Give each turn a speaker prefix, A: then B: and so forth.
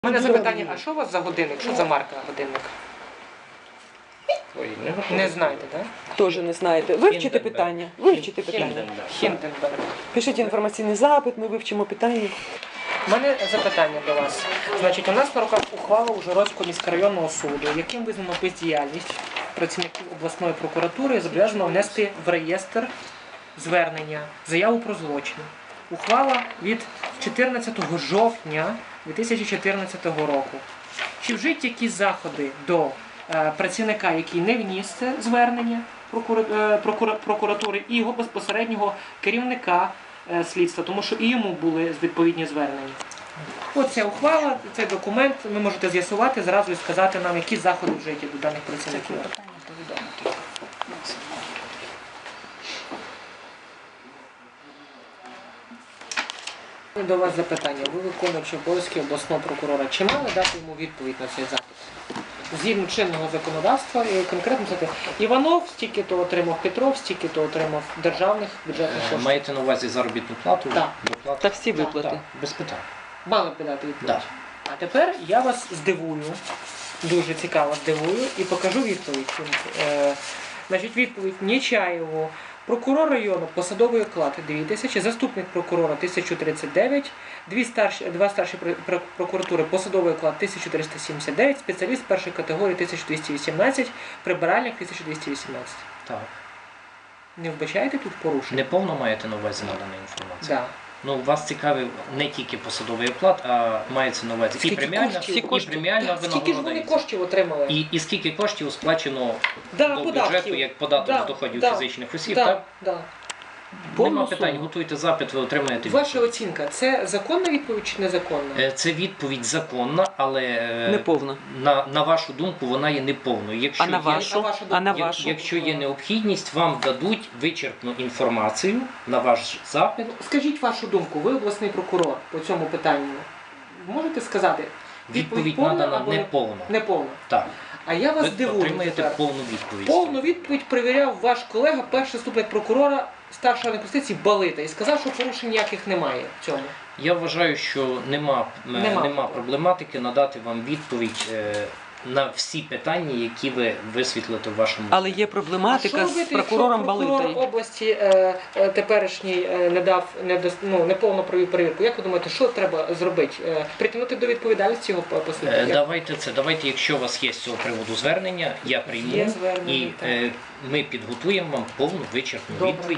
A: У мене запитання, а що у вас за годинник? Що за марка годинника?
B: Ой,
A: Не знаєте, так?
C: Теж не знаєте. Вивчите питання. Вивчите питання.
A: Хінденберг.
C: Пишіть інформаційний запит, ми вивчимо питання.
A: У мене запитання до вас. Значить, у нас на руках ухвала Ужгородського міськрайонного суду, яким визнано бездіяльність працівників обласної прокуратури, зобов'язано внести в реєстр звернення, заяву про злочин. Ухвала від 14 жовтня 2014 року. Чи вжиті якісь заходи до працівника, який не вніс це звернення прокуратури, і його безпосереднього керівника слідства, тому що і йому були відповідні звернення. Оця ухвала, цей документ, ви можете з'ясувати зразу і сказати нам, які заходи вжиті до даних працівників. До вас запитання. Ви виконуючи обов'язки обласного прокурора. Чи мали дати йому відповідь на цей запит? Згідно чинного законодавства, і конкретно це Іванов стільки-то отримав, Петров стільки-то отримав державних бюджетних коштів.
B: Маєте на увазі заробітну плату?
A: Так.
C: Та всі виплати.
B: Так, без питань.
A: Мали б дати відповідь.
B: Так.
A: А тепер я вас здивую, дуже цікаво здивую, і покажу відповідь. Значить, відповідь Нечаєву. Прокурор району посадовий оклад 2000, заступник прокурора 1039, два старші прокуратури посадовий оклад 1379, спеціаліст першої категорії 1218, прибиральник 1218.
B: Так.
A: Не вбачаєте тут порушення?
B: Неповно маєте на увазі надана інформація?
A: Да.
B: Ну, вас цікавив не тільки посадовий оклад, а мається на увазі і преміальна,
A: Скільки ж вони коштів отримали?
B: І скільки коштів сплачено
A: Да,
B: до
A: податків.
B: бюджету як податок з доходів фізичних осіб, так?
A: Да.
B: Нема питань, готуйте запит, ви отримаєте
A: Ваша
B: відповідь.
A: оцінка, це законна відповідь чи незаконна?
B: Це відповідь законна, але
C: Неповна.
B: на вашу думку вона є неповною. Якщо
C: А на
B: є-
C: вашу? А на вашу?
B: Якщо є необхідність, вам дадуть вичерпну інформацію на ваш запит.
A: Скажіть вашу думку, ви обласний прокурор по цьому питанню. Можете сказати?
B: Відповідь
A: повна
B: надана
A: або
B: неповна.
A: неповна.
B: Так.
A: А я вас
B: Ви
A: дивую
B: отримаєте
A: тепер.
B: повну відповідь.
A: Повну відповідь перевіряв ваш колега, перший заступник прокурора старшої юстиції Балита, і сказав, що порушень ніяких немає в цьому.
B: Я вважаю, що нема проблематики надати вам відповідь на всі питання, які ви висвітлите в вашому.
C: Але є
A: А що
C: проблематика
A: робити,
C: з прокурором
A: якщо прокурор
C: Балитою.
A: області теперішній неповно провів перевірку? Як ви думаєте, що треба зробити? Притягнути до відповідальності його послідовників?
B: Давайте, якщо у вас є з цього приводу звернення, я прийму
A: Є звернення,
B: і
A: так.
B: ми підготуємо вам повну вичерпну
A: Добре.
B: відповідь.